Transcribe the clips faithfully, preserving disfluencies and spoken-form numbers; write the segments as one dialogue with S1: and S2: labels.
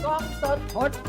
S1: กล้องสด
S2: พดบู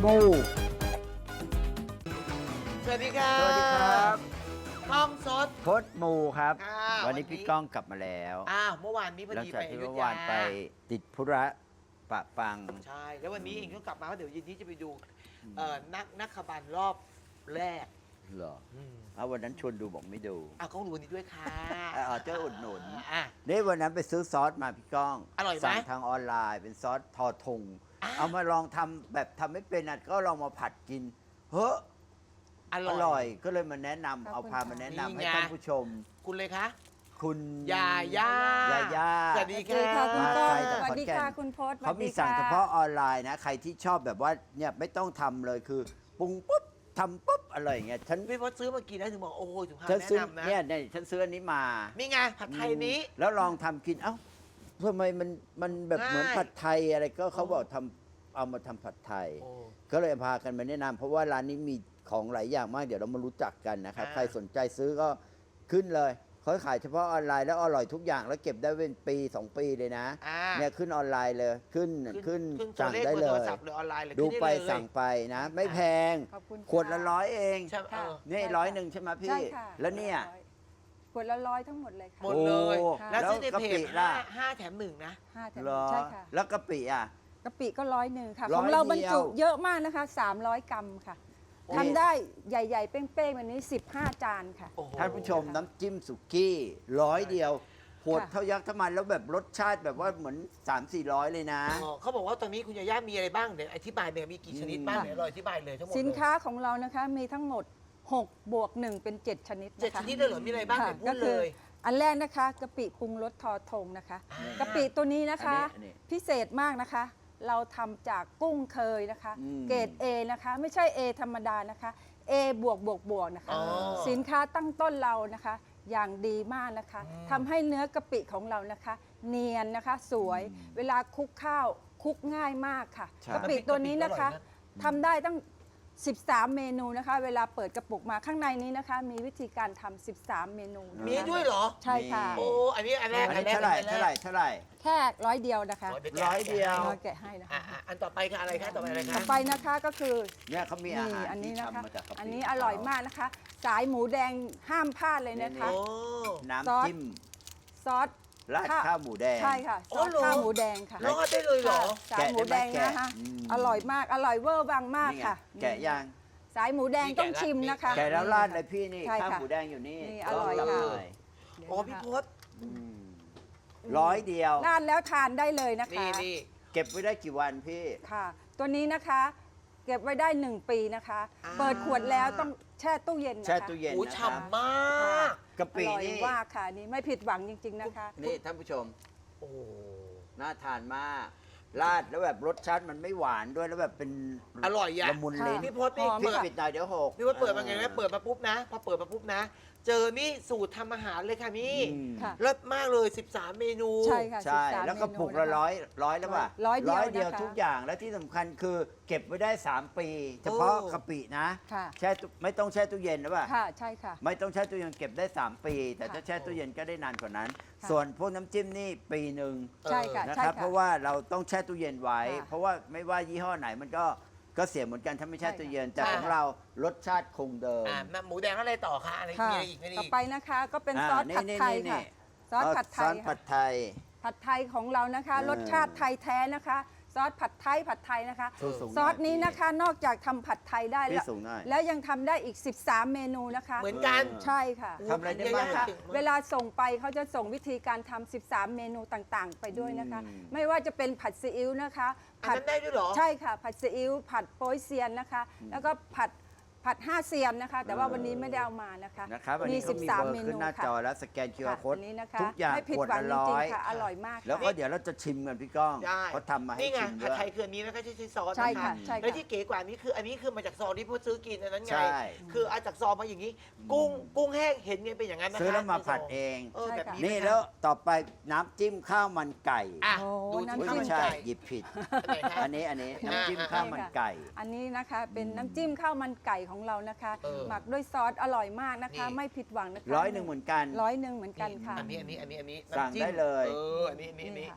S1: สวัสดีครับ
S2: สวัสดีครับ
S1: กล้องสด
S2: พดบูครับ
S1: ค่ะ
S2: วันนี้พี่ก้องกลับมาแล้ว
S1: อ้าวเมื่อวานนี้พอ
S2: หลัง
S1: ดี
S2: จาก
S1: ไปอ
S2: ที่
S1: ยุธ
S2: เมื่อวาย
S1: าน
S2: ไปติดธุระปะปัง
S1: ใช่แล้ววันนี้เองก็กลับมาเพราะเดี๋ยวเย็นนี้จะไปดูเอ่อนักนักขบันรอบแรก
S2: เหรอ
S1: อืม
S2: เอาวันนั้นชวนดูบอกไม่ดู
S1: อ่ะกล้องดูวันนี้ด้วยค่ะ
S2: เออเจ้าอุดหนุน
S1: อ่ะ
S2: นี่วันนั้นไปซื้อซอสมาพี่ก้อง
S1: อร่อยไหม
S2: สั่งทางออนไลน์เป็นซอสทอทง
S1: อ่ะ
S2: เอามาลองทำแบบทำไม่เป็นอ่ะก็ลองมาผัดกิน เฮ้อ
S1: อ
S2: อ
S1: ร่อย
S2: ร่อยก็เลยมาแนะนำ
S3: ขอบคุณ
S2: เอาพามา
S3: ค่ะ
S2: แนะนำ
S1: นี่
S2: ให้
S1: ไง
S2: ท่านผู้ชม
S1: คุณเลยคะ
S2: คุณ
S1: ยาย่าย
S2: าย่า
S1: สวัสดี
S3: สวัสดี
S1: ค่ะ
S3: ค่ะคุณ
S2: มา
S3: ก้อง
S2: ไกลจาก
S3: สวัสดี
S2: ขอนแก่น
S3: ค่ะคุณพศ
S2: เขามีสั่งเฉพาะออนไลน์นะ ใครที่ชอบแบบว่าเนี่ยไม่ต้องทำเลยคือปรุงปุ๊บทำปุ๊บอะไรอย่างเงี้ยฉัน
S1: พี่พศซื้อมากี่นะถึงบอกโอ้โหถึงพา
S2: ฉัน
S1: แนะ
S2: ซื้อน
S1: ำนะ
S2: เนี่ยเนี่ยฉันซื้ออันนี้มา
S1: นี่ไงผัดไทยนี้
S2: แล้วลองทำกินเอ้าทำไมมันมันแบบ
S1: ง่าย
S2: เหมือนผัดไทยอะไรก็เขาบอกทำเอามาทำผัดไทย
S1: โอ้
S2: ก็เลยพากันมาแนะนำเพราะว่าร้านนี้มีของหลายอย่างมากเดี๋ยวเรามารู้จักกันนะครับ
S1: อ่า
S2: ใครสนใจซื้อก็ขึ้นเลยเขาขายเฉพาะออนไลน์แล้วอร่อยทุกอย่างแล้วเก็บได้เป็นปีสองปีเลยนะ
S1: อ่า
S2: เนี่ยขึ้นออนไลน์เลยขึ้นขึ้น
S1: ขึ้น
S2: สั่ง
S1: ตัว
S2: ได้
S1: ขบอ
S2: เล
S1: ร์โทร
S2: ย
S1: ศัพท์หรือออนไลน์เลย
S2: ดู
S1: ขึ้น
S2: ไป
S1: เลย
S2: สั่งไปนะ ไม่แพง
S3: ขอบคุณ
S2: ขวดละร้อยเอง
S1: ใช่ไหมเออ
S2: นี่
S3: ใช่ค่ะ
S2: ร้อยหนึ่งใช่ไหมพี่
S3: ใช่ค่ะ
S2: แล้วเนี่ย
S3: ขวดละร้อยทั้งหมดเลยค่ะ
S1: หมดเลย
S2: โอ้
S1: แล้ว
S2: แล้ว
S1: ซื้อใน
S2: กะ
S1: เพ
S2: ปิ
S1: จ
S2: ล่ะ
S1: ห้าห้าแถมหนึ่งนะ
S3: ห้าแถม
S2: เหรอ
S3: ใช่ค่ะ
S2: แล้วกะปิอ่ะ
S3: กะปิก็ร้อยหนึ่งค่ะ
S2: ร้
S3: ข
S2: อย
S3: องเราบรรจุ
S2: เดียว
S3: เยอะมากนะคะสามร้อยกรัมค่ะ
S2: โอ้
S3: ทำได้ใหญ่ๆ เป้งๆแบบนี้สิบห้าจานค่ะ
S1: โอ้โห
S2: ท่านผู้ชมน้ำจิ้มสุกี้ร้อยเดียวขวด
S3: ค่ะ
S2: เท่ายักษ์เท่ามันแล้วแบบรสชาติแบบว่าเหมือน 3 4 0 0 เลยนะ
S1: อ๋อเขาบอกว่าตอนนี้คุณยาย่ามีอะไรบ้างเดี๋ยวอธิบายเนี่ยมีกี่ชนิดบ้าง
S2: อืม
S1: เดี๋ยวเราอธิบายเลยทั้งหมด
S3: สินค้าของเรานะคะมีทั้งหมดหกบวกหนึ่งเป็นเจ็ดชนิด
S1: เจ็ด
S3: นะคะ
S1: ชนิดเลยเหรอมีอะไรบ้าง
S3: ค่ะ
S1: เดี๋ยวพู
S3: ก็
S1: ด
S3: คื
S1: เล
S3: อย อันแรกนะคะกะปิปรุงรสทอทงนะคะ
S1: อ่า
S3: กะปิตัวนี้นะคะ
S2: อันนี้
S3: พิเศษมากนะคะ เราทำจากกุ้งเคยนะคะ
S2: อืม
S3: เกรด A นะคะไม่ใช่ A ธรรมดานะคะ A บวกบวกบวกนะคะ
S1: อ๋อ
S3: สินค้าตั้งต้นเรานะคะ อย่างดีมากนะคะ
S1: อืม
S3: ทำให้เนื้อกะปิของเรานะคะ เนียนนะคะสวย เวลาคลุกข้าวคลุกง่ายมากค่ะ
S2: ใช่
S3: กะปิตัวนี้นะคะ
S1: กะปิอร่อยนะ
S3: ทำได้ตั้ง สิบสาม เมนูนะคะ เวลาเปิดกระปุกมาข้างในนี้นะคะ มีวิธีการทำสิบสาม เมนูนะคะ
S1: มีด้วยเหรอ
S3: ใช่ค่ะ
S1: โอ้อันนี้อันแรก
S2: อัน
S1: อั
S2: นี้
S1: นแรก
S2: เท่าไหร่
S1: อันแรก
S2: เท่าไหร่เท่าไหร่
S3: แค่ร้อยเดียวนะคะ
S1: ดี๋ว
S2: ร้อยเดียว
S3: เราแกะให้นะคะ
S1: อ่ะอ่ะอันต่อไปคืออะไรคะต่อไปอะไรคะ
S3: ต่อไปนะคะก็คือ
S2: เนี่ยเขามีอา
S3: นี่
S2: หาร
S3: อันนี้
S2: ที่
S3: นะคะ
S2: ทำมาจากกะปิ
S3: อันนี้อร่อยมากนะคะ สายหมูแดงห้ามพลาดเลยนะคะ
S1: โอ้
S2: น้ำจิ้ม
S3: ซอส
S2: ราดข้าวหมูแดง
S3: ใช่ค่ะ
S1: โอ้
S3: ซอส
S1: เหรอ
S3: ข้าวหมูแดงค่ะ
S1: รอดได้เลยเหรอ
S3: ค่ะสายหมูแดงนะคะ
S2: แกะได้ไหมแกะอืม
S3: อร่อยมากอร่อยเวอร์บางมาก
S2: นี่ไง
S3: ค่ะ
S2: แกะย่าง
S3: สายหมูแดง
S1: นี่
S3: ต้อง
S1: แกะละ
S3: ชิมนะคะ
S1: นี่
S2: แกะแล้วราดเลยพี่นี่
S3: ใช่
S2: ข้าว
S3: ค่ะ
S2: หมูแดงอยู่นี่
S3: นี่อร่อย
S2: ลง
S3: ค่ะ
S2: หน่
S1: โอ้พี่พศ
S2: อืมร้อยเดียว
S3: ราดแล้วทานได้เลยนะคะ
S1: นี่นี่
S2: เก็บไว้ได้กี่วันพี่
S3: ค่ะ ตัวนี้นะคะ เก็บไว้ได้หนึ่งปีนะคะ
S1: อ่า
S3: เปิดขวดแล้วต้องแช่ตู้เย็นนะคะ
S2: แช่ตู้เย็น
S1: โอ้
S2: นะครับ
S1: ฉ่ำมาก
S2: กะปิ
S3: อร่อย
S2: นี่
S3: มากค่ะนี่ไม่ผิดหวังจริง ๆนะคะ
S2: นี่ท่านผู้ชม
S1: โอ้
S2: น่าทานมากราดแล้วแบบรสชาติมันไม่หวานด้วยแล้วแบบเป็น
S1: อร่อยอ่ะ
S2: ละมุนลิ้น
S1: พี่พศนี่
S3: หอม
S2: พี่
S3: ค่ะ
S2: ปิดหน่อยเดี๋ยวหก
S1: พี่พศเปิดมาไงนะเปิดมาปุ๊บนะพอเปิดมาปุ๊บนะ เจอนี่สูตรทำอาหารเลยค่ะพี่
S2: อืม
S3: ค่ะ
S1: เลิศมากเลยสิบสามเมนู
S3: ใช่ค่ะ
S2: ใช่
S3: สิบสาม
S2: แล้วก็
S3: เมนู
S2: ปุกละ
S3: นะคะ
S2: ร้อยร้อยแล้วป่ะ
S3: ร้อยเดียว
S2: เดียว
S3: นะคะ
S2: ทุกอย่างแล้วที่สำคัญคือเก็บไว้ได้ 3 ปี เฉพาะกะปินะ
S3: ค่ะ
S2: แช่ตู้ไม่ต้องแช่ตู้เย็นนะป่ะ
S3: ค่ะใช่ค่ะ
S2: ไม่ต้องแช่ตู้เย็นเก็บได้ 3 ปี แต่
S3: ค่ะ
S2: ถ้าแช่ตู้เย็นก็ได้นานกว่านั้น
S3: ค่ะ
S2: ส่วนพวกน้ำจิ้มนี่ปีหนึ่ง
S3: ใช่ค่ะ
S2: นะ
S3: ใช่
S2: ครับ
S3: ค่ะ
S2: เพราะว่าเราต้องแช่ตู้เย็นไว้
S3: ค่ะ
S2: เพราะว่าไม่ว่ายี่ห้อไหนมันก็ก็เสียเหมือนกันถ้าไม่แช่
S3: ใช่ค่ะ
S2: ตู้เย็นแต่
S1: ค่ะ
S2: ของเรารสชาติคงเดิม
S1: อ่ามาหมูแดงอะไรต่อคะอะไร
S3: ค่ะ
S1: มีอะไรอีกมีอะไร
S3: ต่อ
S1: อีก
S3: ไปนะคะก็เป็น
S2: อ่า
S3: ซอส
S2: นี่
S3: ผัด
S2: นี่
S3: ไทย
S2: นี่
S3: ค่ะ ซอสผัดไท
S2: ซอย สผั
S3: ค่ะ
S2: ดไทย
S3: ผัดไทยของเรานะคะ
S2: เออ
S3: รสชาติไทยแท้นะคะ ซอสผัดไทยผัดไทยนะคะ
S2: สูงๆหน่อย
S3: ซอสนี้นะคะนอกจากทำผัดไทยได้
S2: พี่
S3: แล้ว
S2: สูงหน่อย
S3: แล้วยังทำได้อีก สิบสาม เมนูนะคะ
S1: เหมือนกัน
S3: ใช่ค่ะ
S2: ทำอะไรได้บ้าง
S3: นะคะ
S1: เก่งมาก
S3: เวลาส่งไปเขาจะส่งวิธีการทำสิบสาม เมนูต่างๆ ไปด้วยนะคะ
S2: อืม
S3: ไม่ว่าจะเป็นผัดซีอิ๊วนะคะ
S1: อันนั้นได้ด้วยเหรอ
S3: ใช่ค่ะ ผัดซีอิ๊วผัดโป๊ยเซียนนะคะ แล้วก็ผัดผัดห้าเซียนนะคะ แต่ว่า
S2: เออ
S3: วันนี้ไม่ได้เอามานะคะ
S2: นะครับวัน
S3: มี
S2: นี้ก็มีเบอร์
S3: เม
S2: ขึ้น
S3: นู
S2: หน้า
S3: ค่ะ
S2: จอแล้วสแกน คิว อาร์
S3: ค่ะ
S2: Code
S3: อันนี้นะคะ
S2: ทุกอย่าง
S3: ไม่ผิด
S2: ขวด
S3: หวัง
S2: ละ
S3: จ
S2: ร้
S3: ริ
S2: อง ย
S3: ๆค่ะ อร่อยมาก
S2: แล้วก็เดี๋ยวเราจะชิมกันพี่ก้อง
S1: ได้
S2: เขาทำมาให้
S1: นี่ไง
S2: ชิมด้
S1: ผัด
S2: วย
S1: ไทยคืออันนี้นะคะใช่ใช่ซอส
S3: ใช่
S1: นะคะ
S3: ค่ะใช่ค่ะ
S1: แล้วที่เก๋กว่านี้คืออันนี้คือมาจากซองที่พวกซื้อกินอันนั้นไง
S2: ใช่
S1: คือเอาจากซองมาอย่างนี้ กุ้งกุ้งแห้งเห็นไงเป็นอย่างนั้นนะคะ
S2: ซื้อแล้วมา
S1: ในซ
S2: ผัดเอง
S1: เออแบบนี้
S2: นี่
S1: ะคะ
S2: แล้วต่อไปน้ำจิ้มข้าวมันไก่
S1: อ่ะ
S3: โอ้
S1: ดู
S3: น้ำ
S1: ที่
S2: อุ๊ย
S1: ข้าว
S2: ไม่
S1: มัน
S2: ใช่
S1: ไก่
S2: หยิบผิด
S1: อันไหนคะ
S2: อันนี้อันนี้น้ำจิ้ม
S1: อ่า
S2: ข้าวมันไก่
S3: อันนี้นะคะเป็นน้ำจิ้มข้าวมันไก่ของเรานะคะ
S1: เออ
S3: หมักด้วยซอสอร่อยมากนะคะ
S1: นี่
S3: ไม่ผิดหวังนะคะ
S2: ร้อยหนึ่งเหมือนกัน
S3: ร้อยหนึ่งเหมือนกันค่ะ
S1: อันนี้อันนี้อันนี้อันนี้
S2: สั่ง
S1: น้ำจิ้ม
S2: ได้เลย
S1: เอออันนี้อันนี้อันนี้
S3: นี่ค่ะ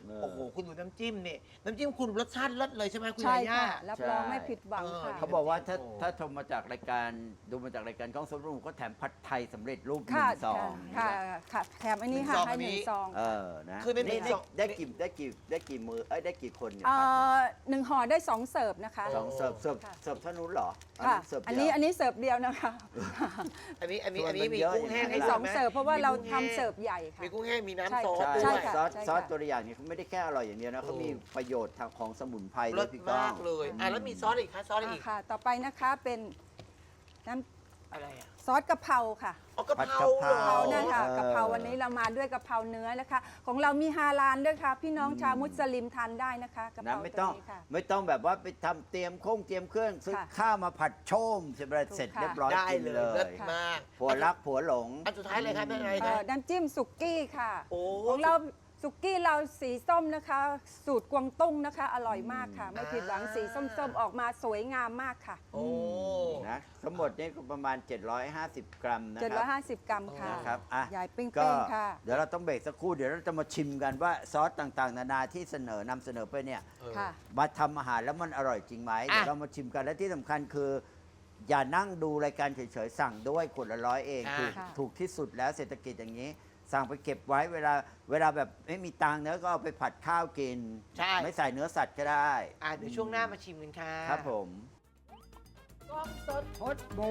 S2: เออ
S1: โอ้โหคุณดูน้ำจิ้มเนี่ยน้ำจิ้มคุณรสชาติเลิศเลยใช่ไหมคุณ
S3: ใช่
S1: ยาย่า
S3: ค่ะ รับรองไม่ผิดหวังค่ะ
S2: เขาบอกว่าถ้า
S1: โอ้
S2: ถ้าชมมาจากรายการดูมาจากรายการกล้องสดรูปก็แถมผัดไทยสำเร็จรูปหนึ่
S3: ค่ะ
S2: งซอง
S3: ค่ะค่ะแถมอันนี้ค่ะให้หนึ่งซอง
S2: เออนะ
S1: คือในหนึ่ง
S2: ได้
S1: ซอง
S2: ได้กี่ได้กี่ได้กี่มือเอ้ยได้กี่คนเนี่ย
S3: เอ่
S2: ผัดเนี่ย
S3: อหนึ่งห่อได้สองเสิร์ฟนะคะ
S2: สองเสิร์ฟเสิร์ฟ
S3: ค่ะ
S2: เสิร์ฟเท่านู้นเหรอ
S3: ค่ะ
S2: เสิร์ฟ
S3: อัน
S2: เดี
S3: นี้
S2: ยว
S3: อันนี้เสิร์ฟเดียวนะคะ
S1: อันนี้อันนี้
S2: ส่วน
S1: อันนี้
S2: มัน
S1: มี
S2: เยอะ
S1: กุ้งแห้ง
S2: อย่างนั้
S1: ให้
S2: น
S1: ดู
S3: สอง
S1: ไหม
S3: เสิร์ฟเพราะว่าเรา
S1: มีกุ้งแห้ง
S3: ทำเสิร์ฟใหญ่ค่ะ
S1: มีกุ้งแห้งมี
S3: ใช่
S1: น้ำซอส
S2: ใช่
S1: ด้
S3: ใช่
S1: วย
S3: ค่ะ
S2: ซอส
S3: ใช่
S2: ซอส
S3: ค่ะ
S2: ตัวอย่างเนี่ยเขาไม่ได้แค่อร่อยอย่างเดียวนะเขามีประโยชน์ทางของสมุนไพรด้
S1: ร
S2: วย
S1: ส
S2: พี่ก้อ
S1: มาง กเลยอ่ะแล้วมีซอสอีกคะซอสอะไรอีก
S3: อ่าค่ะ ต่อไปนะคะเป็นน้
S1: อะไรอ่ะ
S3: ำซอสกะเพราค่ะ
S1: อ๋อกะเพรา
S2: ผัดกะเพรา
S3: กะเพรานั่นค่ะ
S2: เออ
S3: กะเพราวันนี้เรามาด้วยกะเพราเนื้อนะคะ ของเรามีฮาลาลด้วยค่ะ พี่น้องชาวมุสลิมทานได้นะคะกะเพ
S2: นะ
S3: รา
S2: ไม่
S3: ตั
S2: ต้
S3: ว
S2: อง
S3: นี้ค่ะ
S2: ไม่ต้องแบบว่าไปทำเตรียมโค้งเตรียมเครื่องซื้อ
S3: ค่ะ
S2: ข้าวมาผัดโชมเสร็จเสร็จ
S3: ถูกค่ะ
S2: เรียบร้อย
S1: ได้
S2: กิน
S1: เลย
S2: เล
S1: เลิ
S2: ย
S1: ศมาก
S2: ผัวรักผัวหลง
S1: อันสุดท้ายเลยครับเป็นอะไร
S3: เอ่
S1: คะ
S3: อน้ำจิ้มสุกี้ค่ะ
S1: โอ้
S3: ของเราสุกี้เราสีส้มนะคะ สูตรกวางตุ้งนะคะ อร่อยมากค่ะ ไม่ผิดหวังสีส้มๆ ออกมาสวยงามมากค่ะ
S1: โอ้
S2: นะทั้งหมดนี่ก็ประมาณ เจ็ดร้อยห้าสิบ กรัมนะครั
S3: เจ็ดร้อยห้าสิบ กรัมค่ะ
S2: นะครับอ่ะ
S3: ใหญ่เป้ง
S2: ก็
S3: ๆค่ะ
S2: เดี๋ยวเราต้องเบรกสักครู่เดี๋ยวเราจะมาชิมกันว่าซอสต่างๆ นานาที่เสนอนำเสนอไปเนี่ย
S3: ค่ะ
S2: มาทำอาหารแล้วมันอร่อยจริงไหม
S1: อ่ะ
S2: เดี๋ยวเรามาชิมกันและที่สำคัญคือ อย่านั่งดูรายการเฉยๆสั่งด้วยขวดละร้อยเอง
S1: อ่า
S2: ถูก
S3: ค่ะ
S2: ถูกที่สุดแล้วเศรษฐกิจอย่างนี้ สั่งไปเก็บไว้เวลาเวลาแบบไม่มีตังค์เนื้อก็เอาไปผัดข้าวกิน
S1: ใช่
S2: ไม่ใส่เนื้อสัตว์ก็ได้
S1: อ่ะเดี๋ยวช่วงหน้ามาชิมกันค่ะ
S2: ครับผม
S1: กล้องสด
S2: พดบู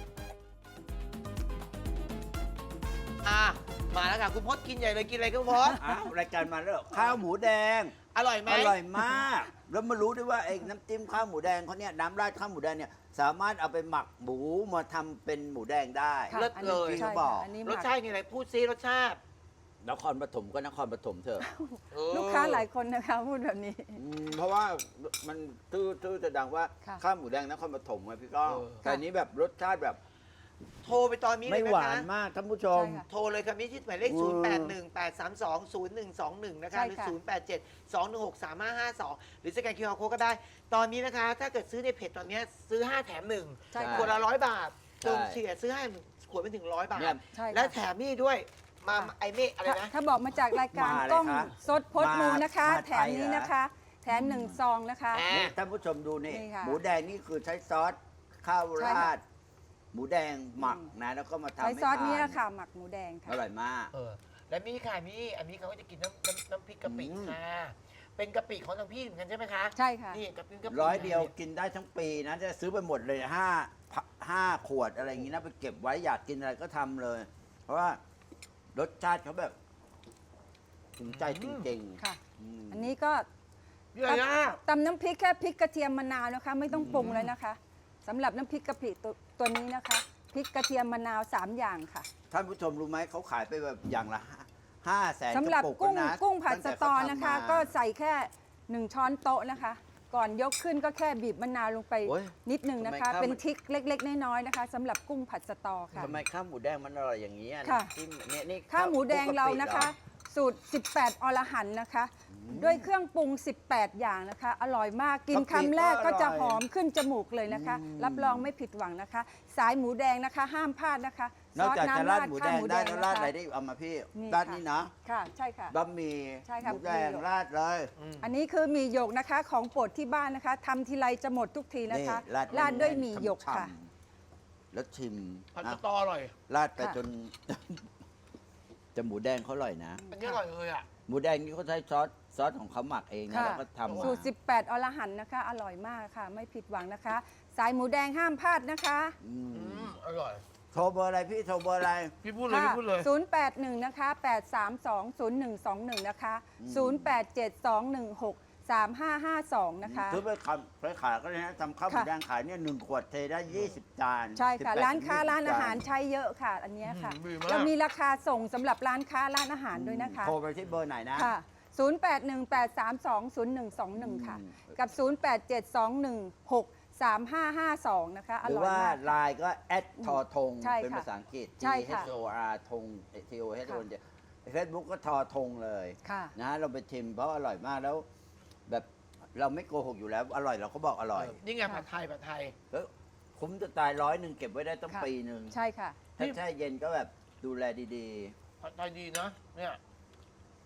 S1: อ่ะมาแล้วค่ะคุณพจน์กินใหญ่เลยกินอะไรคุณพจน์
S2: อ้าวรายการมาแล้วเหรอข้าวหมูแดง
S1: อร่อยไหม
S2: อร่อยมาก แล้วมารู้ด้วยว่าไอ้น้ำจิ้มข้าวหมูแดงเขาเนี่ยน้ำราดข้าวหมูแดงเนี่ยสามารถเอาไปหมักหมูมาทำเป็นหมูแดงได้
S3: ค่ะ
S1: เลิศ
S3: อัน
S1: เล
S3: นี้
S1: ย
S3: ใช่
S2: เขาบอก
S3: ค่ะอันนี้ห
S1: ร
S3: มั
S1: ส
S3: ก
S1: ชาตินี่อะไรพูดซิรสชาติ
S2: นครปฐมก็นครปฐมเถอะ
S1: เออ
S3: ลูกค้าหลายคนนะคะพูดแบบนี้
S2: อืมเพราะว่ามันตื้อตื้อจะดังว่า
S3: ค่ะ
S2: ข้าวหมูแดงนครปฐมไงพี่ก้อง
S1: เออ
S2: แต่อันนี้แบบรสชาติแบบ
S1: โทรไปตอนนี้เล
S2: ไม่
S1: ย
S2: หวา
S1: นะคะ
S2: นมากท่านผู้ชม
S3: ใช่ค่ะ
S1: โทรเลยครับนี่ที่หมายเลข
S2: อื
S1: ศู
S2: ม
S1: นย์ แปด หนึ่ง แปด สาม สอง ศูนย์ หนึ่ง สอง หนึ่ง นะคะ
S3: ใช่
S1: หรือ
S3: ค่ะ
S1: ศูนย์ แปด เจ็ด สอง หนึ่ง หก สาม ห้า ห้า สอง หรือสแกน คิว อาร์ Code ก็ได้ ตอนนี้นะคะ ถ้าเกิดซื้อในเพจตอนนี้ซื้อ ห้า แถม หนึ่ง
S3: ใช่
S2: ใช่
S3: ค่ะ
S1: ขวดละร้อยบาท
S2: ใช่
S1: จงเฉียดซื้อให้ขวดเป็นถึงร้อยบาท
S2: เนี่ย
S3: ใช่ค่ะ
S1: และแถมนี่ด้วย มา
S3: ค่ะ
S1: ไอเมฆอะไร
S3: ถ้า
S1: นะ
S3: ถ้าบอกมาจากรายการ
S2: มาเลย
S3: กล้อง
S2: ครับ
S3: สดพดมูนะคะ
S2: มา
S3: แถมนี้
S2: ไทยเหรอ
S3: นะคะ แถมหนึ่งซองนะคะ
S1: อ่า
S2: นี่ท่านผู้ชมดูนี่
S3: นี่ค่ะ
S2: หมูแดงนี่คือใช้ซอสข้าว
S3: ใช่
S2: รา
S3: ค่ะ
S2: ด หมูแดงหมักนะแล้วก็มาทำ
S3: ใช้
S2: ให้
S3: ซอส
S2: ทา
S3: นี้
S2: น
S3: ค่ะหมักหมูแดงค่ะ
S2: อร่อยมาก
S1: เออ และมีค่ะมีอันนี้เขาก็จะกินน้ำน้ำน้ำพริกกะปิ
S2: อืม
S1: ค่ะ เป็นกะปิของทางพี่เหมือนกันใช่ไหมคะ
S3: ใช่ค่ะ
S1: นี่กะปิกะปิ
S2: ร้อยเดียวกินได้ทั้งปีนะจะซื้อไปหมดเลยห้าห้าขวดอะไรอย่างนี้นะไปเก็บไว้อยากกินอะไรก็ทำเลย เพราะว่ารสชาติเขาแบบถึงใจจริงๆ
S3: ค่ะ
S2: ม
S3: อันนี้ก็
S1: เยอะนะ
S3: ตำน้ำพริกแค่พริกกระเทียมมะนาวนะคะ ไม่ต้องปรุงเลยนะคะสำหรับน้ำพริกกะปิตัวตัวนี้นะคะพริกกระเทียมมะนาวสามอย่างค่ะ
S2: ท่านผู้ชมรู้ไหมเขาขายไปแบบอย่างละห้าแสน
S3: สำหรับ
S2: กะปุ
S3: กุ้ง
S2: นะ
S3: กุ้งผัด
S2: ตั้
S3: ส
S2: แต่
S3: ตอ
S2: เขาทำ
S3: นะคะ
S2: มา
S3: ก็ใส่แค่หนึ่งช้อนโต๊ะนะคะ ก่อนยกขึ้นก็แค่บีบมะนาวลงไป
S2: โอ้ย
S3: นิดหนึ่งนะคะ
S2: ทำไมข้าว
S3: เป็นทริกเล็ก ๆ น้อยๆนะคะสำหรับกุ้งผัดสตอค่ะ
S2: ทำไมข้าวหมูแดงมันอร่อยอย่างนี้อ่ะ
S3: ค่ะ
S2: ที่เนี่ยนี่
S3: ข้าวหมูแดง
S2: คลุกกะปิ
S3: เรานะคะ
S2: เหรอ
S3: สูตร สิบแปด อรหันต์นะคะ ด้วยเครื่องปรุง สิบแปด อย่างนะคะ อร่อยมากกิน
S2: กะปิ
S3: คำแรกก็จะ
S2: ก็อร่อย
S3: หอมขึ้นจมูกเลยนะคะ
S2: อืม
S3: รับรองไม่ผิดหวังนะคะ สายหมูแดงนะคะ ห้ามพลาดนะคะ
S2: นอกจากจะราดหมูแดงได้
S3: ข้
S2: แล้ว
S3: ว
S2: ราด
S3: นะคะ
S2: อะไรได้อีกเอามาพี่
S3: นี่
S2: ราด
S3: ค่ะ
S2: นี่นะ
S3: ค่ะใช่ค่ะ
S2: บะหมี่
S3: ใช่
S2: ห
S3: ค่ะ
S2: มูแดง
S3: หมี่หยก
S2: ราดเลย
S3: อันนี้คือหมี่หยกนะคะของโปรดที่บ้านนะคะทำทีไรจะหมดทุกทีนะคะ ราดด้วยหมี่หยกค่ะ
S2: ฉ่ำๆแล้วชิม
S1: ผัด
S2: นะ
S1: สตออร่อย
S2: ราดไป
S3: ค่ะ
S2: จน จะหมูแดงเขาอร่อยนะ
S1: อันนี้อร่อยเลยอ่ะ
S2: หมูแดงนี่เขาใช้ซอสซอสของเขาหมักเองนะ
S3: ค่ะ
S2: แล้วก็ทำมา
S3: สูตร สิบแปด อรหันต์นะคะ อร่อยมากค่ะ ไม่ผิดหวังนะคะ สายหมูแดงห้ามพลาดนะคะ
S2: อืม
S1: อืมอร่อย
S2: โทรเบอร์อะไรพี่โทรเบอร์อะไร
S1: พี่พูดเลยพี่พูดเลย
S3: ศูนย์ แปด หนึ่ง นะคะ แปด สาม สอง ศูนย์ หนึ่ง สอง หนึ่ง นะคะ ศูนย์ แปด เจ็ด สอง หนึ่ง หก สาม ห้า ห้า สอง นะคะ
S2: ซื้อไปขายไปขายก็เลยนะทำข้าวหมู
S3: ค่ะ
S2: แดงขายเนี่ยหนึ่งขวดเทได้ยี่สิบจาน
S3: ใช่ค่ะ
S2: สิบแปด
S3: ร้านค้า
S2: ถึงยี่สิบ
S3: ร้านอาหาร
S2: จ
S3: ใช้เยอะค่ะ อันเนี้ยค่ะ
S1: อืมดีมาก
S3: เรามีราคาส่งสำหรับร้านค้าร้านอาหารด้วยนะคะ
S2: โทรไปที่เบอร์ไหนนะ
S3: ค่ะ ศูนย์ แปด หนึ่ง แปด สาม สอง ศูนย์ หนึ่ง สอง หนึ่ง ค่ะ
S2: อืม
S3: กับ ศูนย์ แปด เจ็ด สอง หนึ่ง หก สาม ห้า ห้า สอง นะคะ อ
S2: หรือ
S3: ร่อย
S2: ว่าม
S3: าก
S2: ไลน์ก็แอดทอทง
S3: ใช่
S2: เป็น
S3: ค่ะ
S2: ภาษาอังกฤษ T
S3: ใช่ค่ะ
S2: H O R ทง T O H O N เฟซบุ๊กก็ทอทงเลย
S3: ค่ะ
S2: นะเราไปชิมเพราะอร่อยมากแล้ว แบบเราไม่โกหกอยู่แล้ว อร่อยเราก็บอกอร่อย
S1: นี่ไง
S3: ค่ะ
S1: ผัดไทยผัดไทย
S2: แล้วคุ้มจะตายร้อยหนึ่งเก็บไว้ได้ตั้ง
S3: ค่ะ
S2: ปีหนึ่ง
S3: ใช่ค่ะ
S2: ถ้าแช่เย็นก็แบบดูแลดี
S1: ผัดไทยดีนะเนี่ย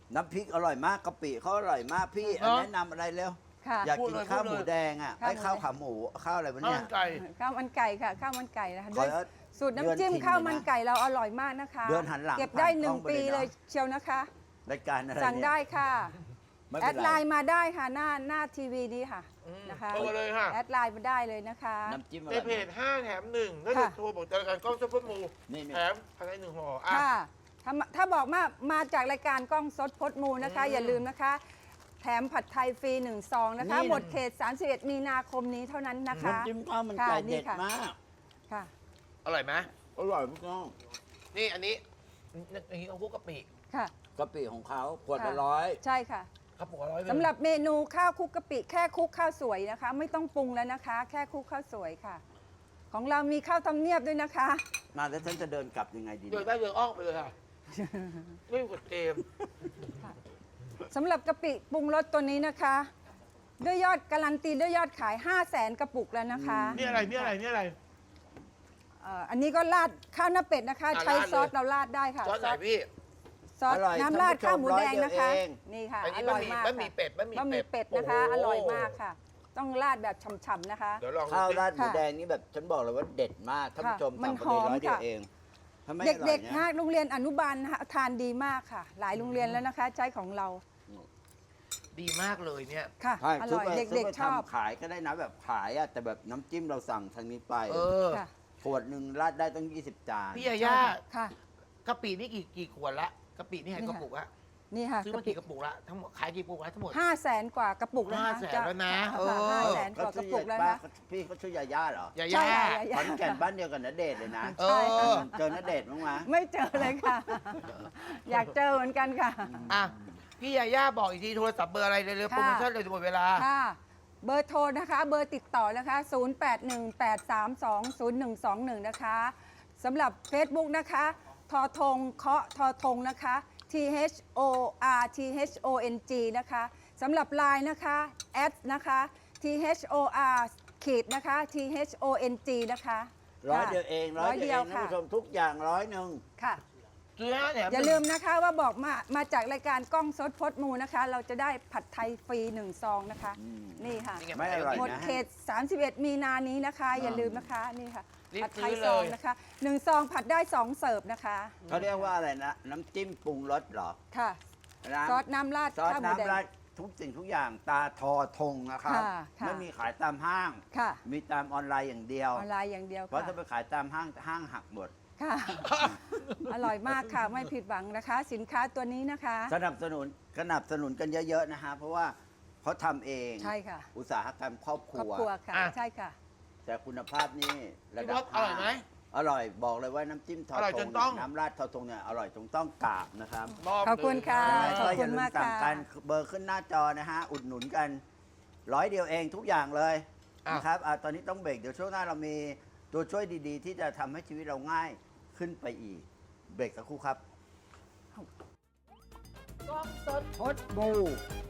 S2: น้ำพริกอร่อยมากกะปิเขาอร่อยมากพี่
S1: เนอะ
S2: แนะนำอะไรเร็ว
S3: ค่ะ
S2: อยากกิน
S1: พูดเลย
S2: ข้าว
S1: พูดเลย
S2: หมูแดงอ่ะ
S3: ข้าว
S2: ไอ้ข้าว
S3: หมูแดง
S2: ขาหมูข้าวอะไรวะ
S1: ข้าว
S2: เนี่ย
S1: มันไก่
S3: ข้าวมันไก่ค่ะข้าวมันไก่นะคะ
S2: ข
S3: ด้
S2: อ
S3: วย
S2: แล้ว
S3: สูตรน้ำจิ้ม
S2: เดือน
S3: ข้าว
S2: ถิ่น
S3: มัน
S2: เลยนะ
S3: ไก่เราอร่อยมากนะคะ
S2: เดือนหันหลัง
S3: เก็บได้
S2: ผ่าน
S3: หนึ่
S2: กล้
S3: ง
S2: องไป
S3: ปี
S2: เลยนะ
S3: เลยเชียวนะคะ
S2: รายการอะไร
S3: สั่ง
S2: เนี่ย
S3: ได้ค่ะ
S2: ไม่
S3: แอ
S2: เป็น
S3: ด
S2: ไร
S3: ไลน์มาได้ค่ะหน้าหน้าทีวีนี้ค่ะ
S1: อืม
S3: นะคะ
S1: โทรมาเลยค่ะ
S3: แอดไลน์มาได้เลยนะคะ
S2: น้ำจิ้มอ
S1: ใน
S2: ร่อย
S1: เพจ
S2: มาก
S1: ห้าแถมหนึ่งถ้า
S3: ค่ะ
S1: เกิดโทรบอกจากรายการกล้องซุปเปอร์มู
S2: นี่นี่
S1: แถมภายในหนึ่งห่ออ่ะ
S3: ค่ะถ้าถ้าบอกมามาจากรายการกล้องสดพดมูนะคะ
S1: อืม
S3: อย่าลืมนะคะ แถมผัดไทยฟรีหนึ่งซองนะคะ
S2: นี่
S3: หมดเขต สามสิบเอ็ด มีนาคมนี้เท่านั้นนะคะ
S2: น้ำจิ้มข้าวมัน
S3: ค่ะ
S2: ไก่
S3: นี่
S2: เด็ด
S3: ค่ะ
S2: มาก
S3: ค่ะ
S1: อร่อยไหม
S2: อร่อยมากน้อง
S1: นี่อันนี้อันนี้เอาคุกกะปิ
S3: ค่ะ
S2: กะปิของเขาขวดละ
S3: ค่ะ
S2: ร้อย
S3: ใช่ค่ะ
S1: กระปุกละร้อยนึ่ง
S3: สำหรับเมนูข้าวคลุกกะปิแค่คลุกข้าวสวยนะคะ ไม่ต้องปรุงแล้วนะคะ แค่คลุกข้าวสวยค่ะ ของเรามีข้าวทำเนียบด้วยนะคะ
S2: มาแล้วฉันจะเดินกลับยังไงดี
S1: เดิน
S2: เนี่ย
S1: ได้เดินอ้อมไปเลยค่ะไม่กดเกม
S3: สำหรับกะปิปรุงรสตัวนี้นะคะ ด้วยยอดการันตีด้วยยอดขาย 5 0 0แสนกระปุกแล้วนะคะ
S1: นี่อะไรนี่อะไรนี่อะไร
S3: เอ่ออันนี้ก็ราดข้าวหน้าเป็ดนะคะ
S1: อ่ะ
S3: ใช้
S1: ราดเลย
S3: ซอสเราราดได้ค่ะ
S1: ซอสไหนพี่
S3: ซอส
S2: อร่อย
S3: น้ำราด
S2: ท่านผู้ชม
S3: ข้าวหมูแดงนะคะ
S2: ร้อยเดียวเอง
S3: นี่ค่ะ
S1: อัน
S3: อ
S1: นี้
S3: ร่
S1: บะ
S3: อย
S1: หมี่
S3: มาก
S1: บะหมี่
S3: ค่ะ
S1: เป็ดบะหมี่
S3: บะหมี่เป็ดนะคะ
S1: โโห
S3: อร่อยมากค่ะ ต้องราดแบบฉ่ำๆนะคะ
S1: เดี๋ยวลองดู
S2: ข้าว
S1: สิ
S2: ราดหมู
S3: ค่ะ
S2: แดงนี่แบบฉันบอกเลยว่าเด็ดมากท่านผู้ชม
S3: มัน
S2: สั่งไปเลย
S3: หอม
S2: ร้อยเดียว
S3: ค่ะ
S2: เองถ้าไม่อ
S3: เ
S2: ร่อ
S3: ด็
S2: ย
S3: กๆ
S2: เนี่
S3: นะ
S2: ย
S3: โรงเรียนอนุบาลนะคะทานดีมากค่ะ หลายโรงเรียนแล้วนะคะ ใช้ของเรา
S1: ดีมากเลยเนี่ย
S3: ค่ะ
S2: ใช่
S3: อ
S2: ซื้
S3: ร่อย
S2: ไป
S3: เด็
S2: ซื้
S3: ก
S2: ไป
S3: ๆชอบ
S2: ทำขายก็ได้นะแบบขายอะแต่แบบน้ำจิ้มเราสั่งทางนี้ไป
S1: เออ
S3: ค่ะ
S2: ขวดหนึ่งราดได้ต้องยี่สิบจาน
S1: พี่ยาย่า
S3: ค่ะ
S1: กะปินี่กี่กี่ขวดละกะปินี่หาย
S3: นี่
S1: ก
S3: ค่ะ
S1: ระปุกละ
S3: นี่ค่ะ
S1: ซื้อมากี่กระปุกละทั้งหมดขายกี่กระปุกละทั้งหมด
S3: ห้าแสนกว่ากระปุกแล้วนะ
S1: ห้าแสนแล้วนะ
S3: ค่
S1: เออ
S3: ห้าแสนกว่ากระปุกแล้วนะ
S2: พี่เขาชื่อยาย่าเหรอย
S1: า
S3: ใช่
S1: ย่า
S3: ค่ะยา
S2: ขอนแก่นบ้านเดียวกันณเดชน์เลยนะ
S1: เอ
S3: ใช่ค่ะ
S1: อ
S2: เจอณเดชน์บ้างไหม
S3: ไม่เจอเลยค่ะ อยากเจอเหมือนกันค่ะ
S1: อ่ะพี่ยาย่าบอกอีกทีโทรศัพท์เบอร์อะไรเร็วๆ
S3: ค่ะ
S1: โปรโมชั่นเลยจะหมดเวลา
S3: ค่ะ เบอร์โทรนะคะ เบอร์ติดต่อนะคะ ศูนย์ แปด หนึ่ง แปด สาม สอง ศูนย์ หนึ่ง สอง หนึ่ง นะคะสำหรับ Facebook นะคะทอทงเคาะทอทงนะคะ T H O R T H O N G นะคะสำหรับ Line นะคะแอดนะคะ T H O R ขีดนะคะ T H O N G นะคะ
S2: ร้อยเดียวเองร้อยเดียวเองท่าน
S3: ค่ะ
S2: ผู้ชมทุกอย่างร้อยหนึ่ง
S3: ค่ะ
S1: ซื้อห้าแถม
S3: อย่าลืมนะคะว่าบอกมามาจากรายการกล้องสดพดมูนะคะ เราจะได้ผัดไทยฟรีหนึ่งซองนะคะ นี่ค่ะ
S1: นี่ง
S2: ไม่อร่อย
S3: หมด
S2: นะ
S3: เขต สามสิบเอ็ด มีนานี้นะคะ อย่าลืมนะคะ นี่ค่ะ
S1: รีบ
S3: ผัดไทย
S1: ซื้อ
S3: ซอง
S1: เลย
S3: นะคะหนึ่งซองผัดได้สองเสิร์ฟนะคะ
S2: เขาเรียกว่าอะไรนะ น้ำจิ้มปรุงรสเหรอ
S3: ค่ะ
S2: น้ำ
S3: ซอสน้ำราด
S2: ซอส
S3: ข้าวหมูแดง
S2: น้ำราดทุกสิ่งทุกอย่างตาทอทงนะครับ
S3: ค่ะค่ะ
S2: ไม่มีขายตามห้าง
S3: ค่ะ
S2: มีตามออนไลน์อย่างเดียว
S3: ออนไลน์อย่างเดียว
S2: เพราะ
S3: ค่ะ
S2: ถ้าไปขายตามห้างห้างหักหมด
S3: ค่ะ อร่อยมากค่ะ ไม่ผิดหวังนะคะ สินค้าตัวนี้นะคะ
S2: สนับสนุนสนับสนุนกันเยอะๆนะฮะเพราะว่าเขาทำเอง
S3: ใช่ค่ะ
S2: อุตสาหกรรมครอบค
S3: ครอบ
S2: รัว
S3: ครัวค่ะ
S1: อ่ะ
S3: ใช่ค่ะ
S2: แต่คุณภาพนี่ระ
S1: พี่
S2: ดั
S1: พ
S2: บ
S1: ศอร่อยไหม
S2: อร่อยบอกเลยว่าน้ำจิ้มทอ
S1: อร่อย
S2: ท
S1: จ
S2: ง
S1: นต้อง
S2: เนี่ยน้ำราดทอทงเนี่ยอร่อยจนต้องกราบนะครับ
S1: มอบ
S3: ขอบคุณค่ะ
S2: ยังไง
S3: ขอบ
S2: ก็อ
S3: คุ
S2: ย่า
S3: ณ
S2: ลืม
S3: มาก
S2: สั่ง
S3: ค่ะ
S2: กันเบอร์ขึ้นหน้าจอนะฮะอุดหนุนกันร้อยเดียวเองทุกอย่างเลยนะครับอ่ะตอนนี้ต้องเบรกเดี๋ยวช่วงหน้าเรามีตัวช่วยดีๆ ที่จะทำให้ชีวิตเราง่ายขึ้นไปอีกเบรกสักครู่ครับ
S1: กล้องสด
S2: พดบู